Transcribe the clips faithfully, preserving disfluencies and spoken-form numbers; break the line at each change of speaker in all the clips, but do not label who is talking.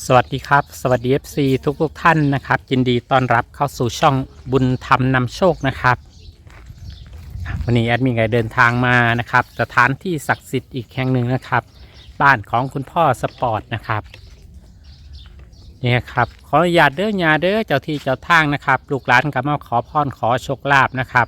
สวัสดีครับสวัสดี เอฟ ซี ทุกทุกท่านนะครับยินดีต้อนรับเข้าสู่ช่องบุญธรรมนำโชคนะครับวันนี้แอดมินก็เดินทางมานะครับสถานที่ศักดิ์สิทธิ์อีกแห่งหนึ่งนะครับบ้านของคุณพ่อสปอร์ตนะครับนี่ครับขออนุญาตเด้อญาเด้อเจ้าที่เจ้าทางนะครับลูกหลานก็มาขอพรขอโชคลาภนะครับ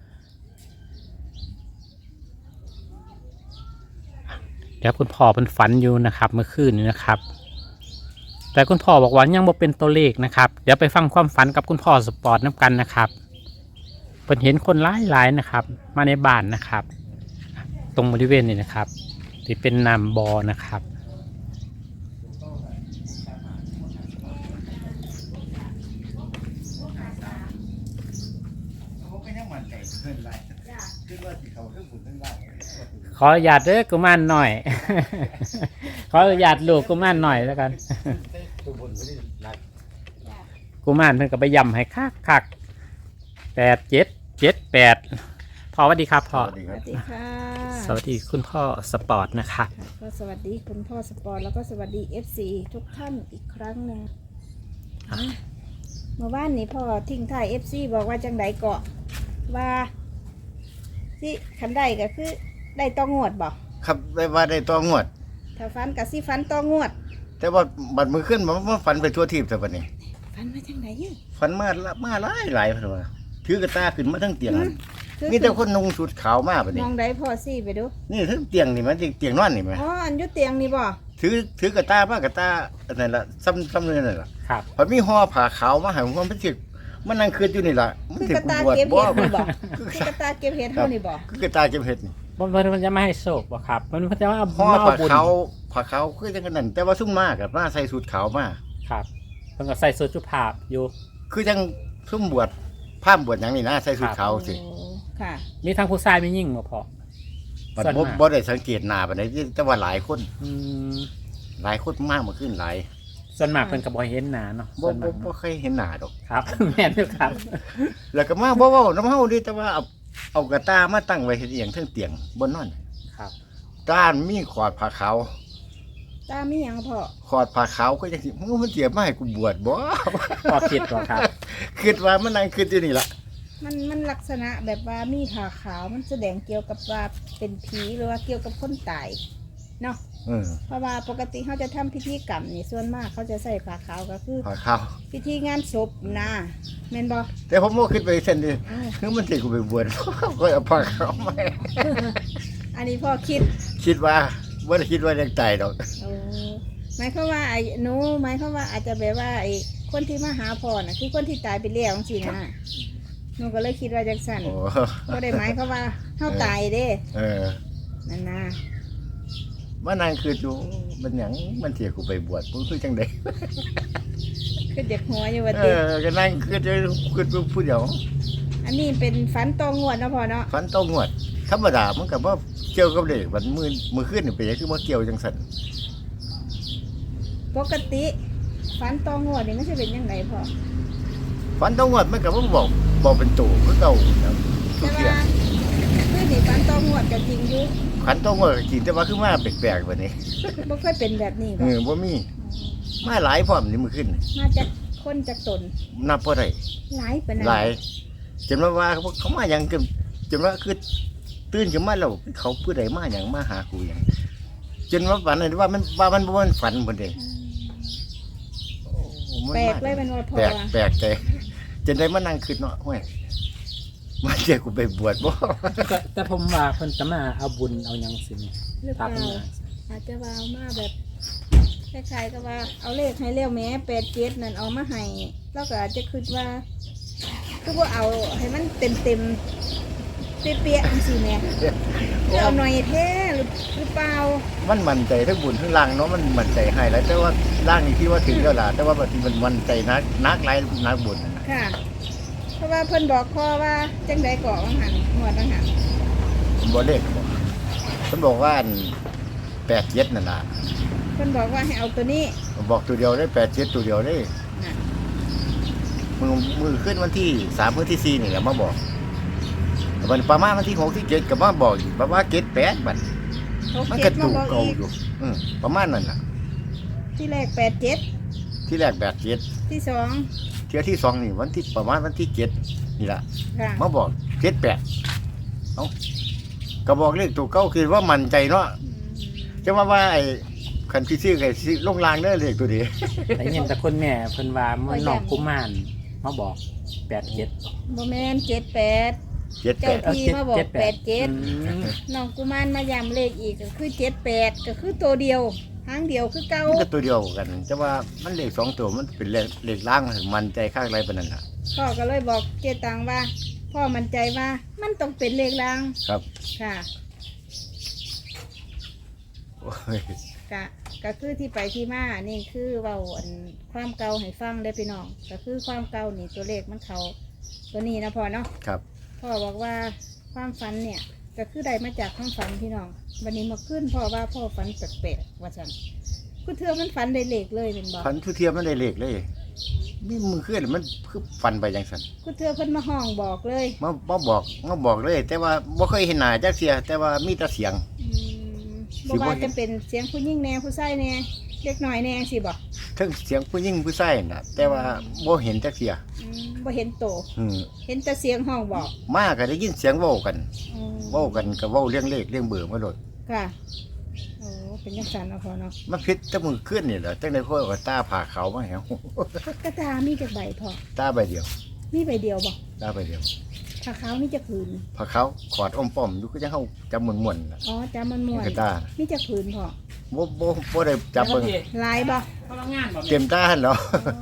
เดี๋ยวคุณพ่อเป็นฝันอยู่นะครับเมื่อคืนนี้นะครับแต่คุณพ่อบอกว่ายังบ่เป็นตัวเลขนะครับเดี๋ยวไปฟังความฝันกับคุณพ่อสปอร์ตน้ำกันนะครับเพิ่นเห็นคนหลายๆนะครับมาในบ้านนะครับตรงบริเวณนี้นะครับที่เป็นน้ำบ่อนะครับขออนุญาตเด้อกุมารหน่อย ขออนุญาตลูกกุมารหน่อยแล้วกัน กุมารเพิ่นก็ไปย่ำให้คักคักแปดเจ็ดเจ็ดแปดพ่อสวัสดีครับพ่อ
สวัสดีค่ะ
สวัสดีคุณพ่อสปอร์ตนะครับ
ก็สวัสดีคุณพ่อสปอร์ตแล้วก็สวัสดี เอฟ ซี ทุกท่านอีกครั้งหนึ่งเมื่อวานนี้พ่อทิ้งท้าย เอฟ ซี บอกว่าจังไดเกาะว่าที่คันได้ก็คือได้ต้องงวดบอก
ครับได้ว่าได้ตัวงวด
ถ้าฟันกับสิฟันต้องงวด
แต่ว่าบัดมือขึ้นมันมันฝันไปทั่วทีบแต่บัดนี้
ฟันมาจังไดยี่
ฝันมาละมาหลายหลายเพิ่นว่าถือกระตาขึ้นมาทั้งเตียงนั่น
คือ
มีแต่คนนุ่งชุดขาวมาบัด
ม
นี้
องได้พ่อซี่ไปดู
นี่ทั้งเตียงนี่มันเตียงนอนนี่มั้ย
อ๋ออันอยุเตียงนี่บ่
ถือถือกระตามากระตาอันนั้นล่ะซ้ำซ้ำนั่นล่ะ
ครับ
พอมีห่อผ้าขาวมาให้ผมมันสิมันนั่งคืนอยู่นี่ล่ะมัน
คือ
สิ
กระตา
บวช
เก็บ
บ่
เห็ดนี่บ่คือกระตาเก็บเห็ดเท่านี่บ่
คือกระตาเก็บเห็ดนี่
มันมันจะไม่ให้โศกบ่ครับมันมันจะว่า
ห่อ
มาเอา
ผ้า
บุญ
ขาวผ้าขาวคือจังนั้นแต่ว่าซุ่มมากกับมาใส่ชุดขาวมา
ครับเพิ่นก็ใส่สูทจุภาพอยู่
คือจังซุ่มบวชพร่ามบวชหยังนี่นะใส่ชุดขาวสิ
โอ้ค่ะ
มีทั้งผู้ชายมียิ่งบ่พ่อ
บัด
ส่วน
บ่
มาก
บ่ได้สังเกตหน้าปานใดแต่ว่าหลายคน
อืม
หลายคนมากมาขึ้นหลาย
ส่วนมากเพิ่นก็บ่เห็นหน้าเนาะ
บ่
ส่วน
บ่
มาก
บ่เคยเห็นหน้าดอก
ครับ แม่นอยู่ครับ
แล้วก็มาบ่เว้าน้ำเฮาดิแต่ว่าเอาเอากระตามาตั้งไว้เฮ็ดอีหยังเทิงเตียงบนนอน
ครับ
ด้านมีขอดผ้าขาว
ตามีหยังพ่อ
ขอดผ้าขาวก็จังสิมึงมันเสียมาให้กูบวชบ่
พ่อคิดบ่ครับ
คิดว่ามันนั่งคิดอยู่นี่ล่ะ
มันมันลักษณะแบบว่ามีผ้าขาวมันแสดงเกี่ยวกับว่าเป็นผีหรือว่าเกี่ยวกับคนตายเนาะ
เออ
เพราะว่าปกติเขาจะทำพิธีกรรมนี่ส่วนมากเขาจะใส่ผ้าขาวก็คือ
ผ้าขาว
พิธีงานศพนะแม่นบ่
แต่ผมบ่คิดไปเส้นดิ
อ้าว
คือมันสิกูไปบวช ก็เอาผ้าขาวมา
อันนี้พ่อคิด
คิดว่าบ่ได้คิดว่าจะตายดอก
โอ้หมายความว่าไอ้หนูหมายความว่าอาจจะแบบว่าไอ้คนที่มาหาพ่อน่ะคือคนที่ตายไปแล้วจังซี่นะหนูก็เลยคิดว่าจังซั่น
โอ้
บ่ได้หมายความว่าเฮาตายเด้
เออ
นั่นนะ
มันนั่งคืออยู่มันหยังมันเสียกูไปบวชมึงคือจังได๋
คือเด็กหัวอยู่ว่า
เอ
ติ
อก็นั่งคือจะคือผู้เดียว
อันนี้เป็นฝันตองงวดเนาะพ่อเนาะ
ฝันต้องงวดธรรมดามันก็บ่เกี่ยวกับเด็กมันมือมือขึ้นนี่เป็นหยังคือบ่เกี่ยวจังซั่น
ปกติฝันตองงวดนี่มันจะเป็นยังไงพ่อ
ฝันต้องงวดมันก็บ่บอกบอกเป็นตัวคือเก่านะทุ
แต่
กเที่ย
ว่าคือนี่ฝันตองงวดก็จริงอยู่
ฝันต้องงวดก็จริงแต่ว่าคือมาแปลกๆบัดนี้
บ่เคยเป็นแบบนี้
เอ
บ่
อบ่มีมาหลายพร้อมนี่มือขึ้น
มาจากคนจากตน
นับบ่ได้
หลายปานนั้น
หลายจนว่าว่าเขามาหยังจนจนว่าคือตื่นขึ้นมาแล้วเขาผู้ใดมาหยังมาหากูหยังจนว่าฝันเลยว่ามันว่ามันบ่มันฝันพุ่นเด้
แปลกเลยเป็นว่าพ่อ
แปลก
ว่า
แปลกใจจนได้มานั่งคิดเนาะห้วยมาเจอกูไปบวชบ่
แต่แต่ผมว่าเพิ่นจะมาเอาบุญเอาหยังสิเนี่ย
หรือเป
ตา
ล่า
เพิ่นมา
อาจจะว่าเอามาแบบคล้ายๆกับว่าเอาเลขให้เร็วแหม้แปดเจ็ดนั่นเอามาให้แล้วก็อาจจะคิดว่าคือว่าเอาให้มันเต็มเต็มๆเปี้ยๆจังซี่แหม่คือเอาหน่อยแท้หรือหรือเปล่า
มันมั่นใจทั้งบุญทั้งล่างเนาะมันมั่นใจให้แล้วแต่ว่าล่างนี่ที่ว่าถึงแล้วล่ะแต่ว่าบางทีมันมั่นใจนักนักหลายนักบุญน่ะนะ
ค่ะ เพราะว่าเพิ่นบอกพ่อว่าจังไดก่อว่าหันหวดว่าหัน
ผมบ่เลขบอกฉันบอกว่าอันแปดเจ็ดนั่นล่ะ
เพิ่นบอกว่าให้เอาตัวนี้
ผมบอกตัวเดียวได้แปดเจ็ดตัวเดียวได้
น่ะ
มือมือขึ้นวันที่สามวันที่สี่นี่แหละมาบอกวันประมาณวันที่หกที่เจ็ดก็มาบอกอีกประมาณเจ็ดแปดบัด
เขา
มัน
เก็
ก็
บมา
ถูก
บอก
เก่า
อีก
อยู่อืมประมาณนั้นล่ะ
ที่แรกแปดเจ็ด
ที่แรกแปดเจ็ด
ที่สอง
เที่ยที่สองนี่วันที่ประมาณวันที่เจ็ดนี่ล่ะ
ค่ะ
มาบอกเจ็ดแปดเอ้าก็บอกเลขตัวเก้าคือว่ามั่นใจเนาะ
อืม
จะว่าว่าไอ้คันที่ซื้อไอ้ซื้อลงรางเด้อเลขตัวนี้
แต่ยินแต่คนแม่เพิ่นว่ามันน้องกุมารมาบอกแปดเจ็ด
บ่แม่นเจ็ดแปด
เจ็ดแป
เจ้า
ด
ที่มาบอกแปดเจ็ด
อืม
น้องกุมารมาย้ำเลขอีกก็คือเจ็ดแปดก็คือตัวเดียวหางเดียวคือเก่า
มันก็ตัวเดียวกันจะว่ามันเลขสองตัวมันเป็นเลขเลขล่างมันใจข้างไรปานนั้นน่ะ
พ่อก็เลยบอกเจตังว่า พ่อมั่นใจว่ามันต้องเป็นเลขราง
ครับ
ค่ะ
โอ้ย
กะก็คือที่ไปที่มานี่คือเว้าอันความเก่าให้ฟังได้อพี่น้องก็คือความเก่านี่ตัวเลขมันเขาตัวนี้นะพ่อเนาะ
ครับ
พ่อบอกว่าความฝันเนี่ยก็คือได้มาจากความฝันพี่น้องวันนี้มาขึ้นพ่อว่าพ่อฝันแปลกๆว่าฉันคือเธอมันฝันได้เลขเลยเป็นบอก
พันทุเทียมมันได้เลขเลยนี่มือขึ้นมันคือฟันไปจังสัน
คือเธอเพิ่นมาห้องบอกเลย
มามาบอกมาบอกเลย แต่ว่าบ่เคยเห็นหน้าจักเสีย แต่ว่ามีแต่เสียง
อืม
สิ
บอก
บ่
ว่า
เห็น
จะเป็นเสียงผู้หญิงแน่ผู้ชายแน่เล็กน้อยแน่สิบอก
ทั้งเสียงผู้หญิงผู้ชายน่ะ แต่ว่าบ่เห็นจักเสีย
อืมบ่เห็นโต
อืม
เห็นแต่เสียงห้องบอก
มาก็ได้ยินเสียงเว้ากัน
อืม
เว้ากันก็เว้าเรื่องเลขเรื่องเบอร์มาโดด
ค่ะโอ้เป็นยังสันเอาพอเนาะ
มันพิษแต่มือขึ้นนี่แหละจังได๋พ่อก็ตาผ่าขาวมาแหว
กระตามีจากใบพอ
ตาใบเดียว
มีใบเดียวบอก
ตาใบเดียว
ผ้าขาวมีจากผืน
ผ่าขาวขอดอมป้อมอยู่ก็จังเฮาจำม่วนๆน่ะ
อ๋อจำมันม่วน
กระตา
มีจากผืนพอ
บ่บ่บ่ได้จับเบิ่ง
ลายบ่
พลังงานบ่
เต็มตาหั่นเหรอ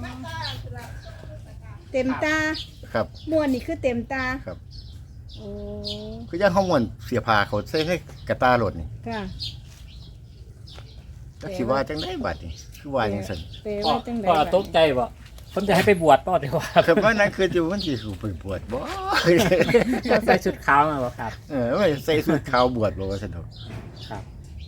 เต็มตา
ครับ
ม่วนนี่คือเต็มตา
ครับ
โอ้
คือยังเขาม่วนเสียผ้าเขาใส่ให้กระตาโลดนี่
ค่ะ
จักสิว่าจังได๋บัดนี่คือว่าจังซั่น
เปล
พ่อ
ว่าจังได
พ่อตกใจบ่คนจะให้ไปบวชป่ะเดี๋ยวว่า
คือว่านั้นคืออยู่มันสิคือไปบวชบ่
ใส่ชุดขาวมาบ่ครับ
เออไม่ใส่สูทขาวบวชบ่ว่าซั่นเถอะ
ครับ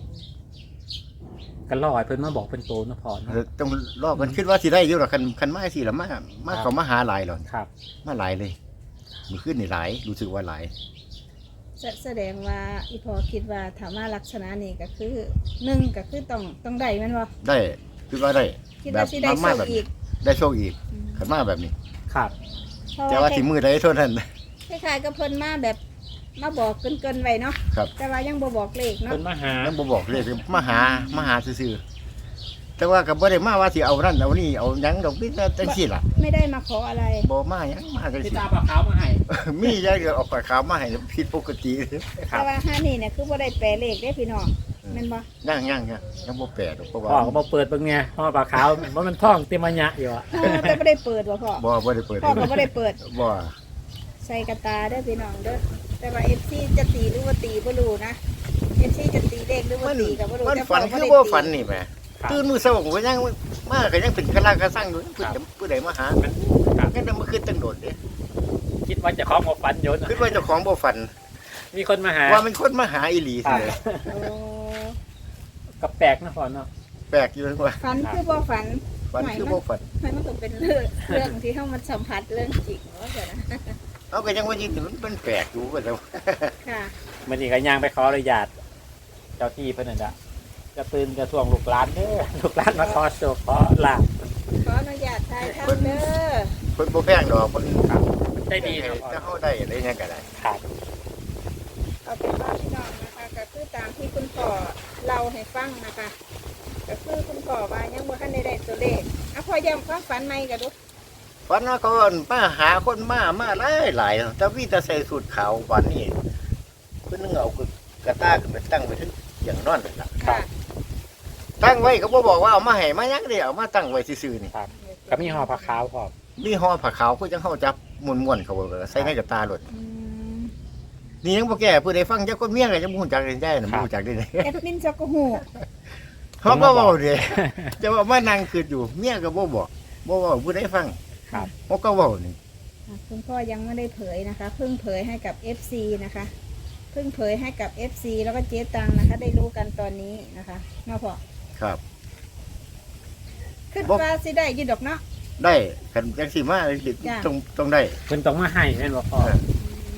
กันลอยเพิ่นมาบอกเป็นโตนะพ่อเนาะ
ต้องรอกันคิดว่าสิได้อยู่หรอกคันคันมาสิละมามาเขามาหาหลายหรอก
ครับ
มาหลายเลยมื้อคืนนี่หลายรู้สึกว่าหลาย
แสแสดงว่าอีพอคิดว่าถามว่าลักษณะนี้ก็คือหนึ่งก็คือต้องต้องได้แมันบ่
ได้คิดว่าได้
คิดว่าสิได้
มา
โชค
แบบ
อีก
ได้โชคอีก
อืม
คันมาแบบนี้
ครับ
เพราะ
แต่
ว่า
ว่าสิมือใดเท่านั้น
คล้ายๆกับเพิ่นมาแบบมาบอกเกินๆไว้เนาะ
ครับ
แต่ว่ายังบ่บอกเลขเนาะ
เพิ่นมาหา
ยังบ่บอกเลยมาหามาหาซื่อๆแต่ว่าก็บ่ได้มาว่าสิเอานั่นเอานี่เอาหยังดอกนี่จังซี่ล่ะ
ไม่ได้มาขออะไร
บ่มาหยังมาจัง
พี่
ซี่
ตาปลาขาวมาให้
มีอย่างเดียวเอาปากขาวมาให้ผิดปกติ
ครั
แต่
บ
ว่าห้านี่เนี่ยคือบ่ได้แปลเลขได้พี่น้องแม่นบ่
ย่างย่างย่างยังบ่แปลดอกเพราะว่า
พ่อก็มาเปิดเบิ่งเนี่ยพ่อปลาขาวว่ามันท่องเต็มอัญญะอยู่อะ
เออแต่บ่ได้เปิดบ่พ่อ
บ่บ่ได้เปิด
พ่อก็บ่ได้เปิด
บ่
ใส่กระตาเด้อพี่น้องเด้อแต่ว่า เอฟ ซี จะตีหรือว่าตีบ่รู้นะ เอฟ ซี จะตีเลขหรือว่า
มัน
ตีก็บ่รู้
มัน
แต่
ฝัน
พ่
คือ
ได้
บ่
ตี
ฝันนี่แหม
ครับ
ตื่นมื้อเช้าก็ยังมาก็ยังเป็นกะลากะสั่งอยู่ผู้ใดผู้ใดมาหา
ครับ
งั้นแต่เมื่อคืนตั้งโดดเด้
คิดว่าจะของมาฟันโยนอะ
คิดว่าเจ้าของบ่ฝัน
มีคนมาหา
ว่ามันคนมาหาอีหลี
ครั
ซื่
บ
อ
โอ้
ก็แปลกนะพ่อเนาะ
แปลกอยู่ว่า
ฝันคือบ่ฝัน
ฝันคือบ่ฝัน
ไม่มันต้องเป็นเรื่องเรื่องที่เฮามันสัมผัสเรื่องจริงว่าจังนะ
เอาก็ยังว่ายินมันเป็นแปลกอยู่ว่าแต่ว่า
ค่ะ
มันนี่ก็ย่างไปขออนุญาตเจ้าที่เพิ่นนั่นน่ะจะตื่นจะทวงลูกหลานเด้อลูกหลานมาขอโชคขอลาภ
ขออนุญาตถ่ายทำเด้อ
เพิ่นบ่แพงดอกเพิ่น
ครับได้ดีนะพ่อ
ถ้าเฮาได้อะไรเนี่ยก็ได้
ครับ
เอาเป็นว่าพี่น้องนะคะก็คือตามที่คุณพ่อเล่าให้ฟังนะคะก็คือคุณพ่อว่ายังบ่ทันได้ได้ตัวเลขอ่ะพ่อย้ำความฝันใหม่ก็ดู
ฝันว่าเขามาหาคนมามาหลายหลายแต่วิแต่ใส่สูทขาววันนี้เพิ่นนึงเอากระตาขึ้นไปตั้งไว้ถึงอย่างนอนนั่นล่ะ
ค่ะ
ตั้งไว้ก็บ่บอกว่าเอามาให้มาหยังเด้เอามาตั้งไว้ซื่อๆนี่
ครับก็มีห่อผ้าขาวพร้อม
มีห่อผ้าขาวคือจังเฮาจับม้วนๆเขาบ่ใส่ในกระตาโลด
อืม
นี่ยังบ่แก่ผู้ใดฟังจักคนเมียก็ยังบ่ฮู้จักได้ได้น่ะบ่ฮู้จักได้เลย
แอดมินจักก็ฮู้
เฮาก็เว้าเด้จะว่ามานั่งคิดอยู่เมียก็บ่บอกบ่เว้าผู้ใดฟัง
ครับ
เฮาก็เว้านี่
อ่ะคุณพ่อยังไม่ได้เผยนะคะ เพิ่งเผยให้กับ เอฟ ซี นะคะ เพิ่งเผยให้กับ เอฟ ซี แล้วก็เจ๊ตังนะคะ ได้รู้กันตอนนี้นะคะเนาะพ่อ
ครับ
ขึ้น
บ่
ว่าสิได้อยินดอกเนาะ
ได้คันจังสิมา
จ้ะ
ต้องต้องได้
เพิ่นต้องมาให้แม่นบ่พ่อ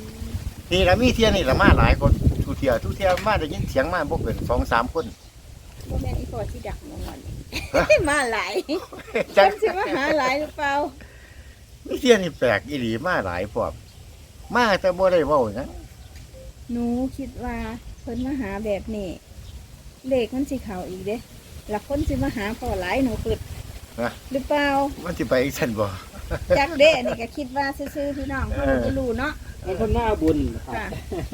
นี่ละมีเที่ยนี่ละมาหลายคนทุกเที่ยทุกเที่ยมาได้ยินเสียงมาบ่เกินสองสามคน
บ่แม่นอีพอที่ดักมองวัน
ฮะ
มาหลาย
จั
เพิ่
ง
นสิมาหาหลายหรือเปล่า
มีเสียนี่แปลกอีหลีมาหลายพร้อมมาแต่บ่ได้เว้าหยัง
หนูคิดว่าเพิ่นมาหาแบบนี้เลขมันสิเข้าอีกเด้หลักคนสิมาหาพอหลายหนูปึด
นะ
หรือเปล่า
มันสิไปอีกซั่นบ่
จักเด้อันนี่ก็คิดว่าซื่อๆพี่น้องเขาบ่รู้เนาะ
เป็นคนหน้าบุญครับ
ค่ะ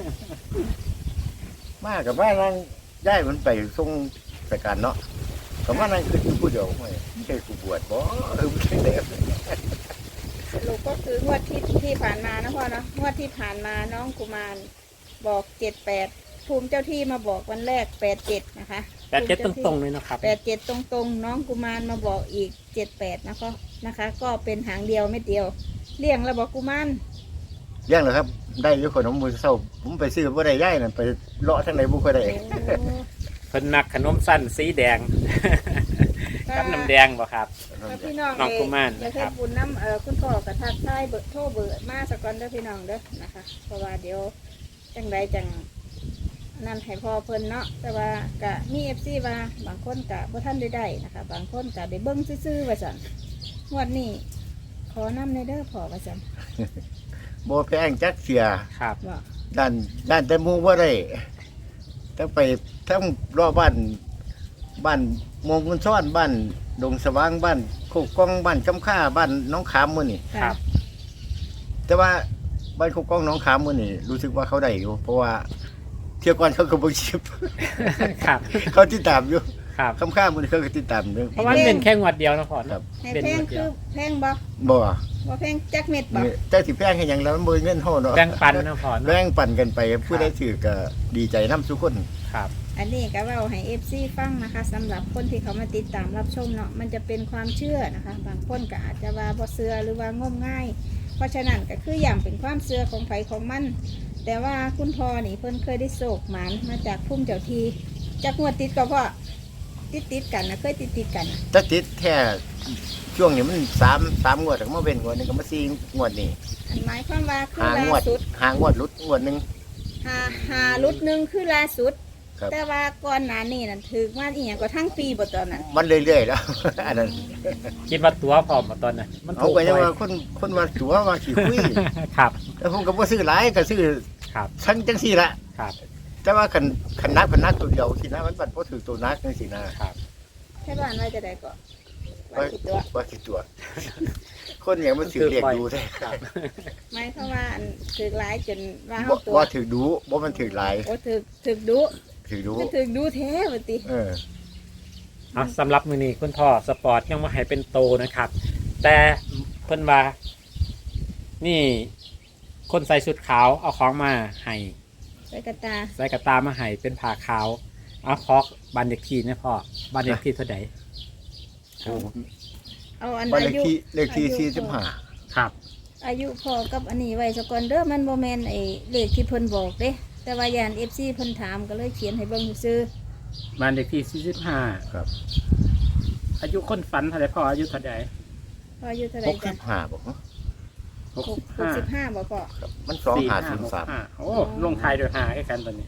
มากับมานั่งย้ายมันไปส่งสการเนาะก็มานั่งคือผู้เดียวไม่ใช่กูบวชบ่เออไม่ใช่เด้อ
สรุปก็คืองวดที่ที่ผ่านมานะพ่อเนาะงวดที่ผ่านมาน้องกุมารบอกเจ็ดแปดภูมิเจ้าที่มาบอกวันแรกแปดเจ็ดนะคะ
แต่เจ็ดตรงๆเลยนะครับ
แปดเจ็ดตรงๆ น้องกุมารมาบอกอีกเจ็ดแปดนะคะนะคะ ก็เป็นหางเดียวไม่เดียวเลี่ยงแล้วบอกกุมาร
เลี้ยงเหรอครับ ได้อยู่คนของมือเศร้า ผมไปซื้อบ่ได้ย้ายนั่นไปเลาะทางไหนบ่ค่อยได้
โอ้
เพิ่นมักขนมสั้นสีแดง กับน้ำแดงบ่ครับ
แล้วพี่น้อง
น้องกุมาร
อยาก
ครั
ให้
บ
บุญน้ำเอ่อคุณพ่อกระทักทายเบอร์โทรเบอร์มาสกอนเด้อพี่น้องเด้อนะคะ เพราะว่าเดี๋ยวจังไรจังนั่นให้พ่อเพิ่นเนาะแต่ว่ากะมีเอฟซีว่าบางคนกะบ่ท่านได้ได้นะคะ บางคนกะได้เบิ้งซื่อๆว่าสั่นงวดนี้ขอนำในเด้อพ่อว่าสั่น
บ่แพงจักเสีย
ครับ
ว่า
ด้านด้านแต่หมู่บ่ได้ทั้งไปทั้งรอบบ้านบ้านมงคลซ้อนบ้านดงสว่างบ้านโคกกองบ้านกำค่าบ้านน้องขามมื้อนี่
ครับ
แต่ว่าบ้านโคกกองน้องขามมื้อนี่รู้สึกว่าเขาได้อยู่ เพราะว่าเที่ยวก่อนเขาก็บ่ชิบ
ครับ
เขาติดตามอยู่
ครับ
คำค่ามื้อนี้เขาก็ติดตามอยู่
เพราะว่ามันเป็นแค่งวดเดียวนะพ่อ
ครั
เนาะ
บ
ให้
เป็น
แพง
งวดเดี
คื
ยว
อแพงบ่
บ่
บ่แพงจักเม็ดบ่
เจ้าสิแพงให้หยังแล้วมันบ่มีเงินเฮาเนาะ
แบ่งปันนะพ่อเนาะ
แบ่งปันกันไปผู้ใดถือก็ดีใจนำทุกคน
ครับ
อันนี้ก็เว่าให้ เอฟ ซี ฟังนะคะสำหรับคนที่เขามาติดตามรับชมเนาะมันจะเป็นความเชื่อนะคะ บางคนก็อาจจะว่าบ่เชื่อหรือว่างมง่าย เพราะฉะนั้นก็คืออย่างเป็นความเชื่อของไผของมัน แต่ว่าคุณพ่อนี่เพิ่นเคยได้โศกหมานมาจากพุ่มเจ้าทีจากงวดติดก็พ่อติดติดๆกันนะเคยติดติดๆกันนะ
ถ้าติดแท้ช่วงนี้มันสาม สามงวดก็มาเว้นงวดหนึงก็มาสี่งวดนี่
อันหมายความว่าคือ
หาง
ล่าว
ด
สุด
หางวดหลุดงวดหนึง
หาหาลุดหนึ่งคือล่าสุด
ครับ
แต่ว่าก่อนหน้านี้นั่นถือว่าอีหยังก็ทั้งปีบ่ตอนนั้น
มันเรื่อยๆแล้ว อันนั้น
คิดว่าตัวพร้อมมาตอนนั้นมัน
เอา
ถูก
ก็ยัง
ไว้
ว่าคนคนว่าตัวว่าขี้คุย
ครับ
แล้วผมก็บ่ซื้อหลายก็ซื้อ
ครับ
ทั้งจังซี่ละ
ครับ
แต่ว่าคันคันนักคันนักตัวเดียวสินะมันบัดบ่ถือตัวนักจังซี่นะครับ
แค่บ้านว่าจะได้ก็ว่าคิดตัว
ว่าสิตัว คนอย่างมันถือเรียกดูแท้
ครับ
หมายความว่าอันถือหลายจนว่า
บ่
เฮาตัว
บ่ถือดูบ่มันถือหลาย
โอ้ถือถือดุ
ถือดู
ก็ถือดุแท้บ่ติ
เออ
เอาสำหรับมือนี้คุณพ่อสปอร์ตยังมาให้เป็นโตนะครับ แต่เพิ่นว่า นี่คนใส่ชุดขาวเอาของมาให้
ไปกระตา
ใส่กระตามาให้เป็นผ้าขาวเอาคอกบันเด็กทีนะพ่อบันเด็กทีเท่าไหร่
โอ้
เอาอัน
บ้านเล
อา
ข
ยุ
ที่เลขที่
อายุ
สี่สิบห้า
ครับ
อายุพอกับอันนี้ไว้สก่อนเด้อมันบ่แม่นไอ้เลขที่เพิ่นบอกเด้ แต่ว่ายาน เอฟ ซี เพิ่นถามก็เลยเขียนให้เบิ่งซื่อ
บันเด็กทีสี่สิบห้า
ครับ
อายุคนฝันเท่าไหร่พ่ออายุเท่าไหร่
ๆพออายุเท่าไห
ห
ร่
ก
จ้ะ
สิบห้าบอกเนาะ
หก
หก
สิบ
หก
ห้า
สิบห้าบ่พอ
ครับมันสองหาศูนย์สาม
โอ้ลงท้ายโดยหาใกล้กันตอนนี้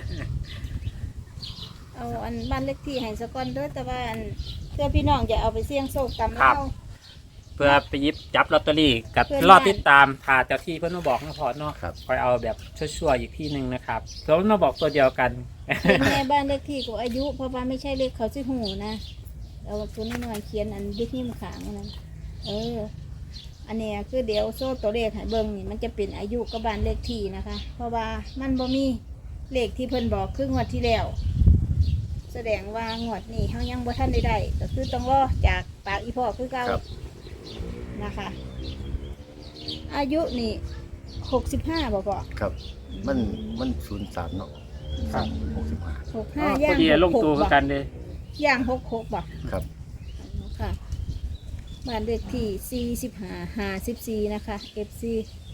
เอาอันบ้านเลขที่ให้สก่อนเด้อแต่ว่าอันเพื่อพี่น้องจะเอาไปเสี่ยงโชคตาม
ครั
เรา
บ เพื่อไปหยิบจับลอตเตอรี่กับ
เพื่อน
รอ
บ้าน
ติดตามถ่าเจ้าที่เพื่อนมาบอกนะพอเนาะ
ครับ
คอยเอาแบบชั่วๆอีกที่หนึ่งนะครับเพื่อนมาบอกตัวเดียวกัน
เป็นแม่บ้านเลขที่กับอายุ เพราะว่าไม่ใช่เลขเขาสิหูนะเอาตัวนี้หน่อยเขียนอันดิที่มันขางนั่นเออ อันเนี้ยคือเดี๋ยวโซ่ตัวเลขให้เบิ่งนี่มันจะเป็นอายุกับบ้านเลขที่นะคะ เพราะว่ามันบ่มีเลขที่เพิ่นบอกคืองวดที่แล้ว แสดงว่างวดนี้เฮายังบ่ทันได้ได้ก็คือต้องรอจากปากอีพ่อคือเก่า
ครับครับ มันมันศูนย์สามเนาะ
ครับ
หกสิบห้า
หก
อ๋
ห้า
อ
ย่า
พอง ดีลง
หก
ตัว
ห
คื
ก
อ
บ่
กันเลย
ย่างหกหกบ่
ครับ
ค่ะบ้านเลขที่สี่สิบห้าห้าสิบสี่นะคะ เอฟ ซี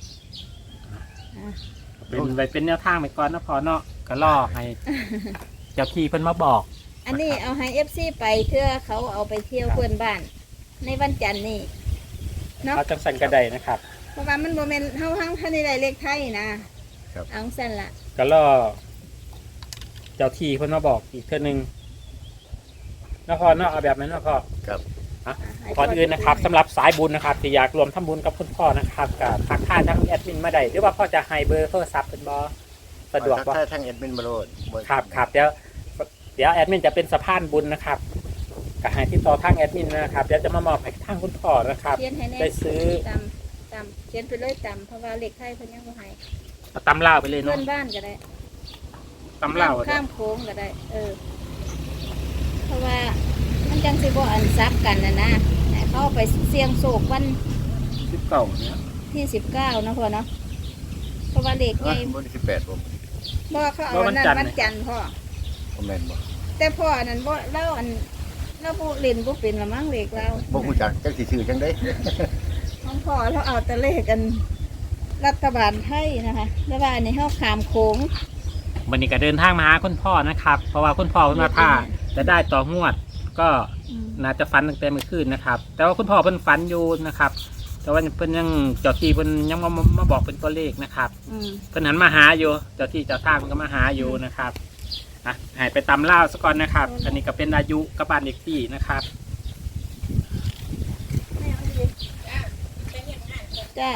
เป็นไปเป็นแนวทางไปก่อนนะพอเนาะก็ล่อให้ เจ้าที่เพิ่นมาบอก
อันนี้เอาให้ เอฟ ซี ไปเพื่อเขาเอาไปเที่ยวเพื่อนบ้าน ในวันจันทร์นี่เนาะ
เอาจังสันกระไดนะครับ
เพราะว่ามันโมเมนเฮาทั้งท่านในเลขไทยนะครับ เอาสั่นละ
ก็ล่อเจ้าที่เพิ่นมาบอกอีกเทื่อนึงนะพ่อเนาะเอาแบบนั้นนะพ่อ
ครับ
ก่อนอื่นนะครับสำหรับสายบุญนะครับที่อยากรวมทำบุญกับคุณพ่อนะครับกับทักทายทางแอดมินมาได้หรือว่าพ่อจะให้เบอร์โทรศัพท์เป็นบอสะดวกบ่
ถ้าทางแอดมินมาโลด
ครับครับเดี๋ยวเดี๋ยวแอดมินจะเป็นสะพานบุญนะครับก็ให้ที่ต่อทางแอดมินนะครับเดี๋ยวจะมามอบให้ทางคุณพ่อนะครับ
เขียนให้แน่
ได้ซื้อ
ตำตำเขียนไปเลยตำเพราะว่าเลขไทยเพิ่นยังบ่ให้
เอาตำเล่าวไปเลย
เพื่อ
เนาะ
นบ้านก็ได้
ตำเล่าว
ข้ามโค้งก็ได้ เออ เพราะว่ามันจังสิบ่อันซับกันนะนะให้เขาเอาไปเสี่ยงโศกวัน
สิบเก้าเนี่ย
ที่สิบเก้านะพ่อเนาะเพราะว่าเลขใหญ่
วันที่สิบแปดผม
บ่เขาเอาวันนั้นวันจันทร์พ่อ
ผมแม่นบ่
แต่พ่ออันนั้นบ่เล่าอันเล่าบ่เล่นบ่เป็นละมั้งเลขเรา
บ่ฮู้จักจักสิชื่อจังได๋
ของพ่อเราเอาแต่เลขกันรัฐบาลไทยนะคะแล้วว่าอันนี้เฮาขามโค้ง
วันนี้ก็เดินทางมาหาคุณพ่อนะครับ เพราะว่าคุณพ่อคุณมาท่าจะได้ต่องวด ก็
อืม
น่าจะฝันตั้งแต่เมื่อคืนนะครับ แต่ว่าคุณพ่อเพิ่นฝันอยู่นะครับ แต่ว่าเพิ่นยังเจ้าที่เพิ่นยังมามาบอกเป็นตัวเลขนะครับ
อืม
เพิ่นหันมาหาอยู่เจ้าที่เจ้าทางมันก็มาหาอยู่นะครับอ่ะให้ไปตำเล่าวซะก่อนนะครับ อันนี้ก็เป็นอายุกับบ้านเด็กที่นะครับ
จ้า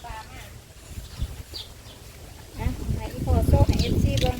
อ่ะให้อีพ่อโซ่ให้ เอฟ ซี เบิ่ง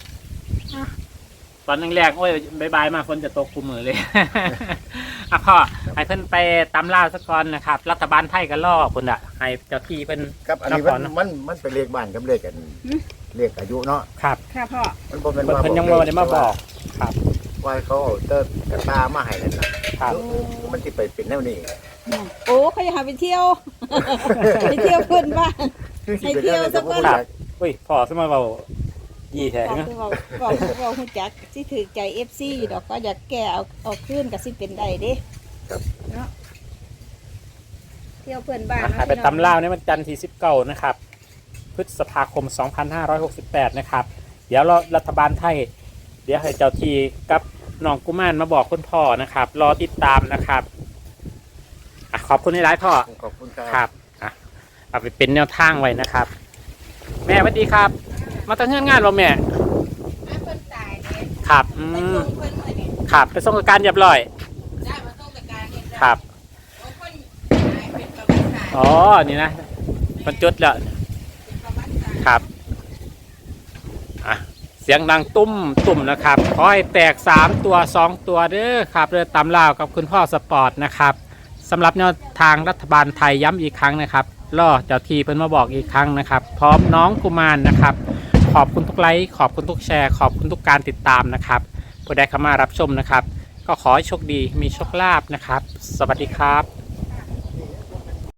ตอนแรกๆโอ้ยบายบายมาฝนจะตกคุมมือเลย อ่ะพ่อให้เพิ่นไปตำเล่าวซะก่อนนะครับ รัฐบาลไทยก็ล่อคนอ่ะให้เจ้าที่เพิ่น
ครับอันนี้
นค
มั
ร
น
เนอะ
มันมันเป็นเลขบ้านกับเลขกันเลขอายุเนาะ
ครับ
ค่ะพ่อ
มันบ่แม่น
เพิ่น
ว่า
เพิ่นยังบ่ได้มาบอกครับ
ว่าเขาเอาเติร์กระตามาให้นั่นน่ะ
ครับ
มันสิไปเป็นแนวนี้
โอ้เขาอยากให้ไปเที่ยว ไปเที่ยวเพื่อนบ้าน ให้เที่ยวสักวัน
ครับอุ้ยพ่อสมัยเบายี่แท้
บอก
นะ
คือบอกบอกบอกหูจักสิถือใจ เอฟ ซี อยู่ดอกก็อยากแก้เอาเอาขึ้นกับสิเป็นได้เด้
ครับ
เนาะเที่ยวเพื่อนบ้าน
หาไปตำเล่าวในวันจันทร์ที่สิบเก้านะครับ พฤษภาคม สองพันห้าร้อยหกสิบแปด นะครับ เดี๋ยวรอรัฐบาลไทย เดี๋ยวให้เจ้าทีกับน้องกุมารมาบอกคุณพ่อนะครับ รอติดตามนะครับอะขอบคุณในไลฟ์พ่อ
ขอบคุณค
ครับ รับอ่ะเอาไปเป็นแนวทางไว้นะครับ แม่สวัสดีครับ มาตั้งเงื่อนงานเราแม่
เพื่อนตายเนี่ย
ครับอื
ไป
ม
ส่งเพื่อนเลยเนี่ย
ครับไปส่งการเรียบร้อย
ได้มาส่งกับการเนี่ย
ครับ
โอ้คนตายเป็นประวัติศาสตร์
อ๋อ นี่นะมันจุดแล้ว
เป็นประวัติศาสตร์
ครับ อ่ะ เสียงดังตุ้มตุ่มนะครับ ขอให้แตกสามตัวสองตัวเด้อครับเรือตำลาวกับคุณพ่อสปอร์ตนะครับสำหรับแนวทางรัฐบาลไทยย้ำอีกครั้งนะครับล่อเจ้าทีเพิ่นมาบอกอีกครั้งนะครับ พร้อมน้องกุมารนะครับ ขอบคุณทุกไลค์ขอบคุณทุกแชร์ ขอบคุณทุกการติดตามนะครับผู้ใดเข้ามารับชมนะครับ ก็ขอให้โชคดีมีโชคลาภนะครับ สวัสดีครับ